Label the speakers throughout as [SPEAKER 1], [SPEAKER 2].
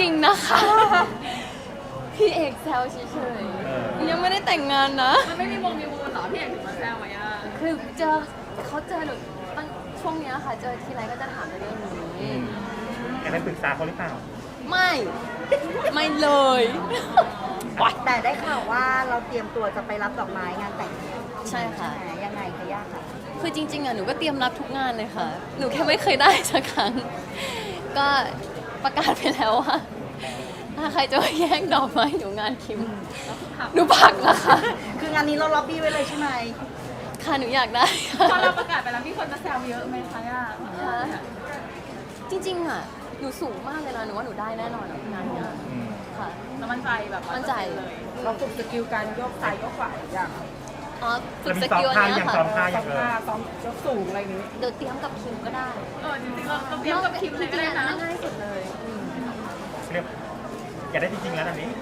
[SPEAKER 1] ริงๆนะคะพี่เอกแซวเฉยๆยังไม่ได้แต่งงานนะ
[SPEAKER 2] มันไม่มีวงมีมูลเหรอพี่เอกถึงมาแซวไหมอ่ะ
[SPEAKER 1] คือเขาเจอหนูตั้งช่วงเนี้ยค่ะเจอทีไรก็จะถามในเรื่องนี้
[SPEAKER 3] แกได้ปรึกษาเขาหรือเปล่า
[SPEAKER 1] ไม่เลย
[SPEAKER 4] แต่ได้ข่าวว่าเราเตรียมตัวจะไปรับดอกไม้งานแต่ง
[SPEAKER 1] ใช่ค่ะ
[SPEAKER 4] ยังไงคะย่าคะ
[SPEAKER 1] คือจริงๆอ่ะหนูก็เตรียมรับทุกงานเลยค่ะ หนูแค่ไม่เคยได้สักครั้ง ก็ประกาศไปแล้วว่าถ้าใครจะมาแย่งดอกไม้หนูงานคิมหนูพักนะคะ
[SPEAKER 4] คืองานนี้เราล็อบบี้ไว้เลยใช่ไหม
[SPEAKER 1] ค่ะหนูอยากได้ค่ะ
[SPEAKER 2] พอเราประกาศไปแล้วมีคนมาแซวเยอะไหมคะย่า
[SPEAKER 1] จริงๆอ่ะหนูสูงมากเลยนะหนูว่าหนูได้แน่นอนอะงานเนี้ยค่ะ
[SPEAKER 2] แล้วมั่นใจแบบ
[SPEAKER 1] มั่นใจ
[SPEAKER 2] เลย
[SPEAKER 4] เราฝึกสกิลการยกซ้ายยกขวาอย่าง
[SPEAKER 1] อ๋อฝึก
[SPEAKER 3] แล้วมี
[SPEAKER 1] สกิลอัน
[SPEAKER 3] ซ้อมท่า
[SPEAKER 1] เนี้
[SPEAKER 3] ยั
[SPEAKER 1] ย
[SPEAKER 3] ง
[SPEAKER 1] ค่ะ
[SPEAKER 3] ซ้อมท่ายัง
[SPEAKER 4] ซ้อมยกสูงอะไรนี้
[SPEAKER 1] เดี๋ยวเตรียมกับคิมก็ได้
[SPEAKER 2] จริงๆเราเตรียมกับคิมเลยก็ได้นะ
[SPEAKER 1] ง่ายสุดเลย
[SPEAKER 3] เรียกอยากได้จริงๆแล้วตอนนี้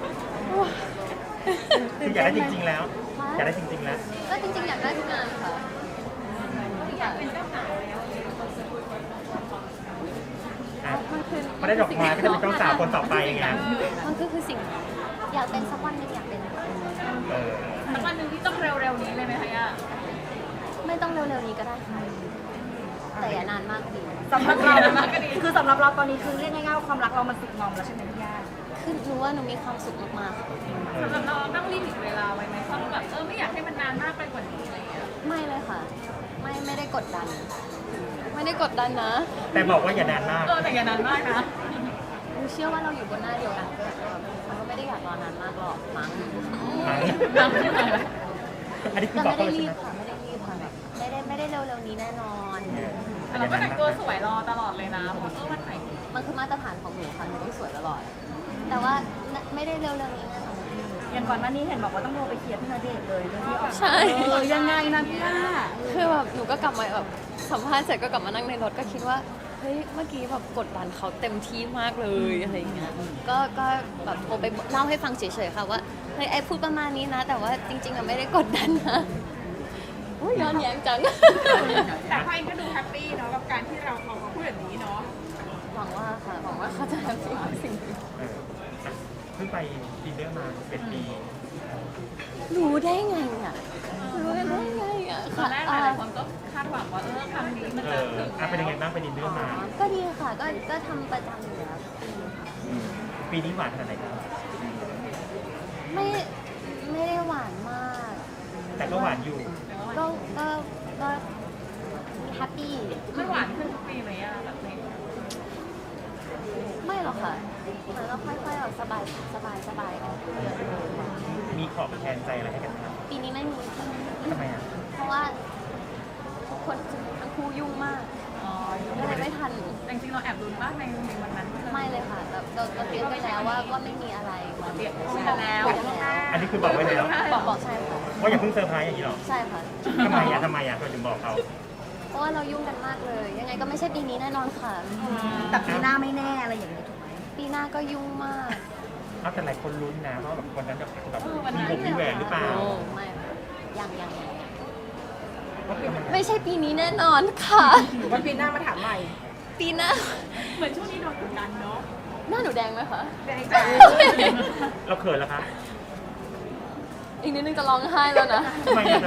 [SPEAKER 3] คืออยากได้จริงๆแล้ว อยากได้จริงๆแล้ว
[SPEAKER 1] ก็จริงๆอยากได้ทุกงานค่ะอยากเป็นเจ้าสาว
[SPEAKER 3] อ่ะไม่ได้ดอกไม้ก็จะเป็นเจ้าสาวคนต่อไปไง
[SPEAKER 1] มันก็คือสิ่งอยากเป็นสักวันหนึงอยากเป็น
[SPEAKER 3] เออ
[SPEAKER 2] สักวันหนึ่งที่ต้องเร็วๆนี้เลยไหมคะย่า
[SPEAKER 1] ไม่ต้องเร็วๆนี้ก็ได้ค่ะแต่อย่านานมากดี
[SPEAKER 4] สำหรับเราคือสำหรับเราตอนนี้คือเรียกง่ายๆว่าความรักเรามันสุกงอมแล้วใช่ไหมพี่ย่า
[SPEAKER 1] คือหนูว่าหนูมีความสุขมาก
[SPEAKER 2] สำหรับเราตั้งลิมิตเวลาไว้ไหมว่าแบบไม่อยากให้มันนานมากไปกว่านี้อะไรอย่างเงี้ย
[SPEAKER 1] ๆไม่เลยค่ะ ไม่ได้กดดัน ไม่ได้กดดันนะ
[SPEAKER 3] แต่บอกว่าอย่านานมาก
[SPEAKER 2] แต่อย่านานมากนะ
[SPEAKER 1] หนูเชื่อว่าเราอยู่บนหน้าเดียวกันมันก็ไม่ได้อยากรอนานมากหรอกมั้ง
[SPEAKER 3] อันนี้คือ
[SPEAKER 1] แต่
[SPEAKER 3] บอก
[SPEAKER 1] ไม่
[SPEAKER 3] เขา
[SPEAKER 1] ได้
[SPEAKER 3] เลย
[SPEAKER 1] รี
[SPEAKER 3] ใช่
[SPEAKER 1] บ
[SPEAKER 3] ไหม
[SPEAKER 1] ค่ะไม่ได้รีบค่ะแบบไม่ได้เร็วๆนี้แน่นอน
[SPEAKER 2] แต่เราก็แต่งตัวสวยรอตลอดเลยนะเพราะวันไหน
[SPEAKER 1] มันคือมาตรฐานของหนูค่ะหนูต้องสวยตลอด แต่ว่าไม่ได้เร็วๆนี้แน่นอน
[SPEAKER 4] อย่างก่อนหน้านี้เห็นบอกว่าต้องโทรไปเคลียร์พี่ณเดชน์เลยเรื่องที่ออก
[SPEAKER 1] ใช่
[SPEAKER 4] ยังไงนะพี่ย่า
[SPEAKER 1] คือแบบหนูก็กลับมาแบบสัมภาษณ์เสร็จก็กลับมานั่งในรถก็คิดว่าเฮ้ยเมื่อกี้แบบกดดันเขาเต็มที่มากเลยอะไรอย่างเงี้ยก็แบบโทรไปเล่าให้ฟังเฉยๆค่ะว่าเฮ้ยไอ้พูดประมาณนี้นะ แต่ว่าจริงๆอะไม่ได้กดดันนะอุ้ยย้อนแย้งจัง
[SPEAKER 2] แต่พ่อเองก็ดูแฮปปี้เนาะกับการที่เราออกมาพูดแบบนี้เนาะ
[SPEAKER 1] หวังว่าค่ะหวังว่าเขาจะแฮปปี้กับสิ่งนี้
[SPEAKER 3] เอออ่ะเพิ่งไปดินเนอร์มาเป็นปี
[SPEAKER 1] รู้ได้ไงอ่ะรู้ได้ไงอ่ะ
[SPEAKER 2] ตอนแรกหลายๆคนก็คาดหวังว่าคำนี้มัน
[SPEAKER 3] เอ
[SPEAKER 2] จะ
[SPEAKER 3] อ
[SPEAKER 2] ถึง
[SPEAKER 3] อ่ะเป็นยังไงบ้างไปดินเนอร์มา
[SPEAKER 1] ก็ดีค่ะก็ทำประจำอยู่แล้ว
[SPEAKER 3] ปีนี้หวานขนาดไหนครับ
[SPEAKER 1] ไม่ได้หวานมาก
[SPEAKER 3] แต่ก็หวานอยู่
[SPEAKER 1] ก็แฮปปี้
[SPEAKER 2] ไม่หวานขึ้นทุกปีไหมอะแบบนี้
[SPEAKER 1] ไม่หรอกค่ะเหมือนเราค่อยๆแบบสบายออกเยอะเลย
[SPEAKER 3] มีขอบแทนใจอะไรให้กันไหมครับ
[SPEAKER 1] ปีนี้ไม่มี
[SPEAKER 3] ทำไมอ่ะ
[SPEAKER 1] เพราะว่าทุกคนทั้งคู่ยุ่งมากก็เลยไม่ทัน
[SPEAKER 2] แต่จริงๆเราแอบลุ้นมากในวันนั้น
[SPEAKER 1] ไม่เลยค่ะเราเตรียมไปแล้วว่าไม่มีอะไร
[SPEAKER 2] เรียกคุยกันแล้ว
[SPEAKER 3] อันนี้คือบอกไว้แล้ว
[SPEAKER 1] บอกใช่ค่ะ
[SPEAKER 3] ว่าอย่าเพิ่งเซอร์ไพรส์อย่างนี้หรอ
[SPEAKER 1] ใช่ค่ะ
[SPEAKER 3] ทำไมอ่ะเราถึงบอกเขา
[SPEAKER 1] เพราะว่าเรายุ่งกันมากเลย ยังไงก็ไม่ใช่ปีนี้แน่นอนค่ะ
[SPEAKER 4] แต่ปีหน้าไม่แน่อะไรอย่างนี้ถูกไหม
[SPEAKER 1] ปีหน้าก็ยุ่งมาก
[SPEAKER 3] เอาแต่หลายคนลุ้นนะว่าแบบวันนั้นจะแบบมีวงมีแหวนหรือเปล่า
[SPEAKER 1] โอ้ไม่ยัง
[SPEAKER 3] ว่าเป็นยังไง
[SPEAKER 1] ไม่ใช่ปีนี้แน่นอนค่ะ
[SPEAKER 4] วันปีหน้ามาถามใหม่
[SPEAKER 1] ปีหน้า
[SPEAKER 2] เหมือนช่วงนี้โดนกดดันเนาะ
[SPEAKER 1] หน้าหนูแดงไหมคะ
[SPEAKER 2] แดงจ้า
[SPEAKER 3] เราเขินแล้วคะ
[SPEAKER 1] อีกนิดนึงจะร้องไห้แล้วนะ
[SPEAKER 3] ทำไมอ่ะ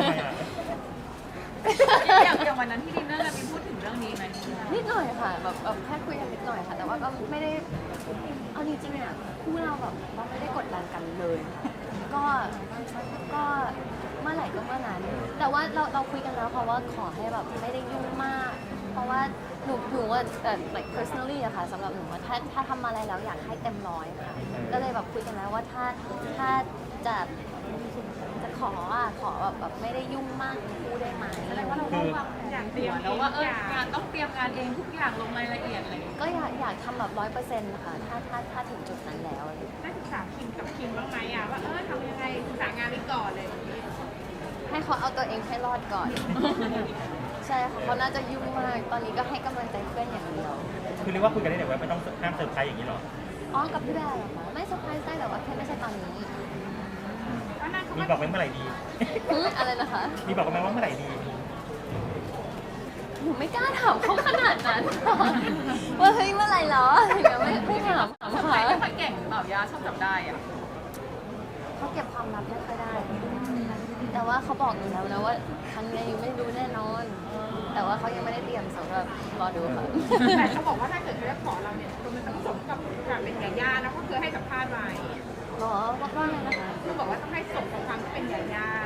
[SPEAKER 2] อย่างวันนั้นที่ดินเนอร์กันมีพูดถึงเรื่องนี้ไหม
[SPEAKER 1] นิดหน่อยค่ะแบบแค่คุยกันนิดหน่อยค่ะ แต่ว่าก็ไม่ได้เอาจริงๆอ่ะคู่เราแบบเราไม่ได้กดดันกันเลย ก็เมื่อไหร่ก็เมื่อนั้น แต่ว่าเราคุยกันแล้วค่ะว่าขอให้แบบไม่ได้ยุ่งมาก เพราะว่าหนูว่าlike personally อะค่ะสำหรับหนูว่าถ้าทำอะไรแล้วอยากให้เต็มร้อยค่ะ ก็เลยแบบคุยกันแล้วว่าถ้าจะขอแบบไม่ได้ยุ่งมากคู่ได้ไหม
[SPEAKER 2] แสดงว่าเราต้องวางอย่างเตรียมแล้วว่างานต้องเตรียมงานเองทุกอย่างลงรายละเอียดอะไรอย่างเงี้ย
[SPEAKER 1] ก็อยากทำแบบ100%นะคะถ้าถึงจุดนั้นแล้วอะไรอย่างเงี้ย
[SPEAKER 2] ได้ศึกษาคิมกับคิมบ้างไหมอะว่าทำยังไงศึกษางานนี้ก่อนเลยแบบนี้
[SPEAKER 1] ให้เขาเอาตัวเองให้รอดก่อน ใช่ค่ะเขาน่าจะยุ่งมาก ตอนนี้ก็ให้กำลังใจเพื่อนอย่างเดียว
[SPEAKER 3] คือเรียกว่าคุยกันได้แต่ว่าไม่ต้องห้ามเซอร์ไพรส์อย่างนี้หรอ
[SPEAKER 1] อ๋อกับพี่แบร์เหรอคะไม่เซอร์ไพรส์ได้แต่ว่าแค่ไม่ใช่ตอนนี้
[SPEAKER 3] มีบอกไว้เมื่อไหร่ดี
[SPEAKER 1] อะไรนะคะ
[SPEAKER 3] มีบอกกันไหมว่าเมื่อไหร่ดี
[SPEAKER 1] มนูไม่กล้าถามเขาขนาดนั้นว่าเฮ้ยเมื่อไหร่เหรออะไรอย่างเงี้ยไม่ถาม
[SPEAKER 2] ทำไม
[SPEAKER 1] ค่ะ
[SPEAKER 2] ไม่ค่อยเก่งเปล่ายาชอบจับได้อ่ะ
[SPEAKER 1] เขาเก็บความลับไม่ค่อยได้ แต่ว่าเขาบอกหนูแล้วนะว่าครั้งนี้ยังไม่รู้แน่นอน แต่ว่าเขายังไม่ได้เตรียมสำหรับรอดูค่ะ
[SPEAKER 2] แต่เขาบอกว่าถ้าเกิดเขาจะขอเราเนี่ยมันต้องสมกับเป็นยาย่านะเพราะเคยให้สัมภาษณ์ไว้
[SPEAKER 1] หรอว่าไงนะคะ
[SPEAKER 2] คือบอกว่าต้องให้สมกับความที่เป็นยาย่า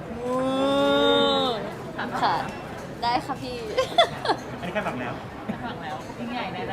[SPEAKER 1] ค่ะ ได้ค่ะพี่
[SPEAKER 3] อันนี้แค่ฝังแล้ว
[SPEAKER 2] ฟังแล้วยิ่งใหญ่แน่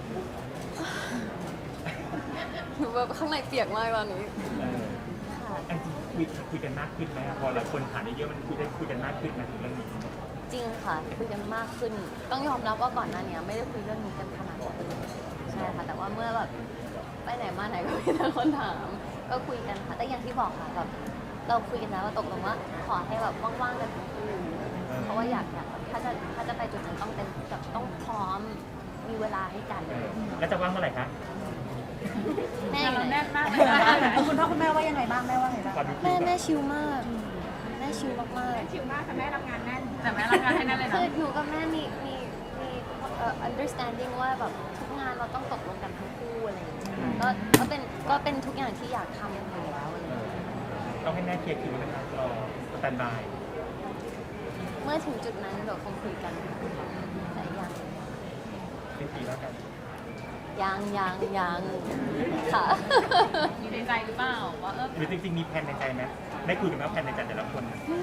[SPEAKER 1] หนูแบบข้างในเปียกมากตอนนี้ ค่ะ
[SPEAKER 3] อันจริงคุยกันมากขึ้นไหมครับพอหลายคนถามเยอะๆมันคุยกันมากขึ้นไหมถึงเรื่องนี้
[SPEAKER 1] จริงค่ะคุยกันมากขึ้น ต้องยอมรับว่าก่อนหน้านี้ไม่ได้คุยเรื่องนี้กันขนาดนั้นใช่ค่ะแต่ว่าเมื่อแบบไปไหนมาไหนก็มีแต่คนถามก็คุยกันค่ะแต่อย่างที่บอกค่ะแบบเราคุยกันแล้วว่าตกลงว่าขอให้แบบว่างๆกันทั้งคู่เพราะว่าอยากแบบถ้าจะไปจุดนั้นต้องเป็นแบบต้องพร้อมมีเวลาให้กัน
[SPEAKER 3] แล้วจะว่างเมื่อไหร่คะ
[SPEAKER 1] แม่
[SPEAKER 2] ๆ
[SPEAKER 1] อยู่
[SPEAKER 2] เรา
[SPEAKER 1] ไหน
[SPEAKER 2] แน่นมากเลยนะ
[SPEAKER 4] คุณพ่อคุณแม่ว่ายังไงบ้างแม่ว่าไงบ้าง
[SPEAKER 3] ความรู้สึก
[SPEAKER 1] แม่ชิลมากแม่ชิลมากๆ
[SPEAKER 2] ชิวมากแต่แม่รับงานแน่นแต่แม่รับงานให้แน่นเลย
[SPEAKER 1] คื
[SPEAKER 2] นะ
[SPEAKER 1] ออยู่กับแม่มีunderstanding ว่าแบบทุกงานเราต้องตกลงกันทั้งคู่อะไรอย่างเงี้ยก็เป็นทุกอย่างที่อยากทำอยู่แล้วอะไรอย่างเงี้ย
[SPEAKER 3] ต้องให้แม่เคลียร์คิวนะครับรอสแตนบาย
[SPEAKER 1] เมื่อถึงจุดนั้นเดี๋ยวคงคุยกันแต่ยัง
[SPEAKER 3] เป็นปีแล้วกัน
[SPEAKER 1] ยังค่ะ
[SPEAKER 2] มีในใจหรือเปล่าว่า
[SPEAKER 3] หรือจริงๆมีแผนในใจไหมได้คุยกันไหมว่าแผนในใจแต่ละคน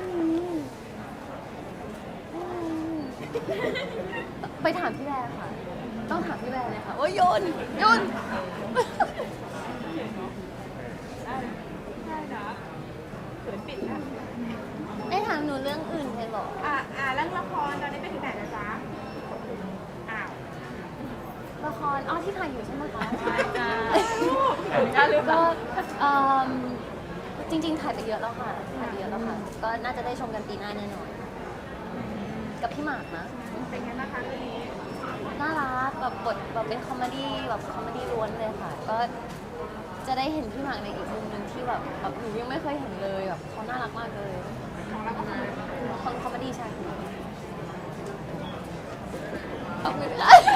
[SPEAKER 1] ไปถามพี่แบร์ค่ะ ต้องถามพี่แบร์เลยค่ะโอ้ยโยน
[SPEAKER 2] ได้นะเขินปิดแล้ว
[SPEAKER 1] ไม่ถามหนูเรื่องอื่นเลยเหรอ
[SPEAKER 2] เรื่องละครตอนนี้ไปถึงไหนแล้วจ๊ะอ้าว
[SPEAKER 1] ละครที่ถ่ายอยู่ใช่ไหมคะ
[SPEAKER 2] ใช่จ้าจ้าหรือเป
[SPEAKER 1] ก็
[SPEAKER 2] ล่า
[SPEAKER 1] จริงๆถ่ายไปเยอะแล้วค่ะถ่ายไปเยอะแล้วค่ะ ก็น่าจะได้ชมกันปีหน้าแน่นอน กับพี่หมากนะ
[SPEAKER 2] เป็นไงบ้างคะเรื่องนี้
[SPEAKER 1] น่ารักแบบบทแบบเป็นคอมเมดี้แบบคอมเมดี้ล้วนเลยค่ะ ก็จะได้เห็นพี่หมากในอีกมุมหนึ่งที่แบบหนูยังไม่เคยเห็นเลยแบบเขาน่ารักมากเลย
[SPEAKER 2] ของเราก็คือ
[SPEAKER 1] คอมเมดี้ใช่ขอบคุณค่ะ